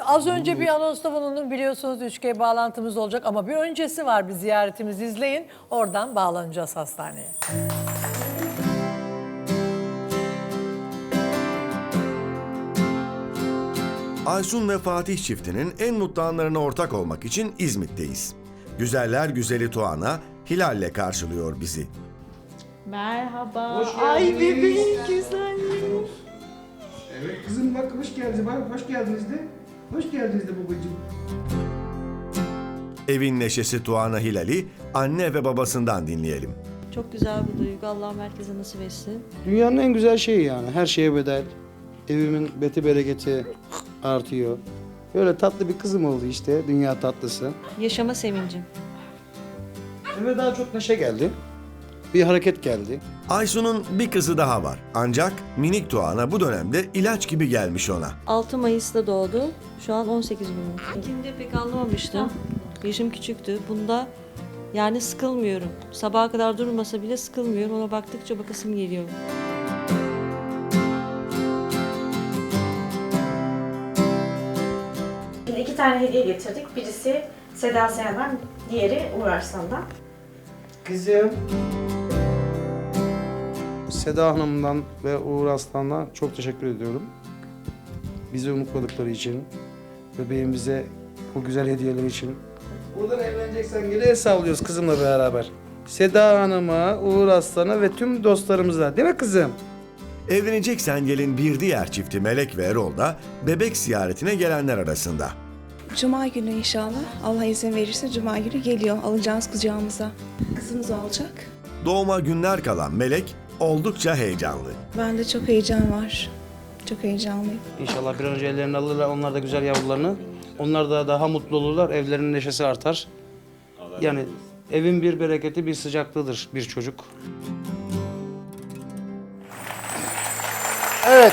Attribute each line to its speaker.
Speaker 1: Az önce bir anonsta bulundum, biliyorsunuz 3G bağlantımız olacak ama bir öncesi var, bir ziyaretimizi izleyin. Oradan bağlanacağız hastaneye.
Speaker 2: Aysun ve Fatih çiftinin en mutlu anlarına ortak olmak için İzmit'teyiz. Güzeller güzeli Tuana, Hilal'le karşılıyor bizi.
Speaker 3: Merhaba.
Speaker 4: Hoş
Speaker 3: Ay
Speaker 4: geldiniz.
Speaker 3: bebeğim güzelliğim.
Speaker 4: Evet kızım bak hoş geldiniz. Bak hoş geldiniz de. Hoş geldiniz de babacığım.
Speaker 2: Evin neşesi Tuana Hilal'i anne ve babasından dinleyelim.
Speaker 3: Çok güzel bir duygu. Allah herkese nasip etsin.
Speaker 4: Dünyanın en güzel şeyi yani. Her şeye bedel. Evimin beti bereketi artıyor. Böyle tatlı bir kızım oldu işte. Dünya tatlısı.
Speaker 3: Yaşama sevincim.
Speaker 4: Eve daha çok neşe geldi. Bir hareket geldi.
Speaker 2: Aysun'un bir kızı daha var. Ancak minik Tuana bu dönemde ilaç gibi gelmiş ona.
Speaker 3: 6 Mayıs'ta doğdu. Şu an 18 gün oldu. İlkinde pek anlamamıştım. Yaşım küçüktü. Bunda yani sıkılmıyorum. Sabaha kadar durmasa bile sıkılmıyorum. Ona baktıkça bakasım geliyor.
Speaker 5: Şimdi 2 tane hediye getirdik. Birisi Seda Sayan'dan, diğeri Uğur Arslan'dan.
Speaker 4: Kızım. Seda Hanım'dan ve Uğur Aslan'dan çok teşekkür ediyorum. Bizi unutmadıkları için, bebeğimize bu güzel hediyeler için. Buradan evleneceksen geri el sallıyoruz kızımla beraber. Seda Hanım'a, Uğur Aslan'a ve tüm dostlarımıza. Değil mi kızım?
Speaker 2: Evleneceksen gelin bir diğer çifti Melek ve Erol da bebek ziyaretine gelenler arasında.
Speaker 6: Cuma günü inşallah. Allah izin verirse Cuma günü geliyor. Alacağız kucağımıza. Kızımız olacak.
Speaker 2: Doğuma günler kalan Melek oldukça heyecanlı.
Speaker 6: Bende çok heyecan var. Çok heyecanlıyım.
Speaker 4: İnşallah bir an önce ellerini alırlar, onlar da güzel yavrularını. Onlar da daha mutlu olurlar, evlerinin neşesi artar. Yani evin bir bereketi, bir sıcaklığıdır bir çocuk. Evet,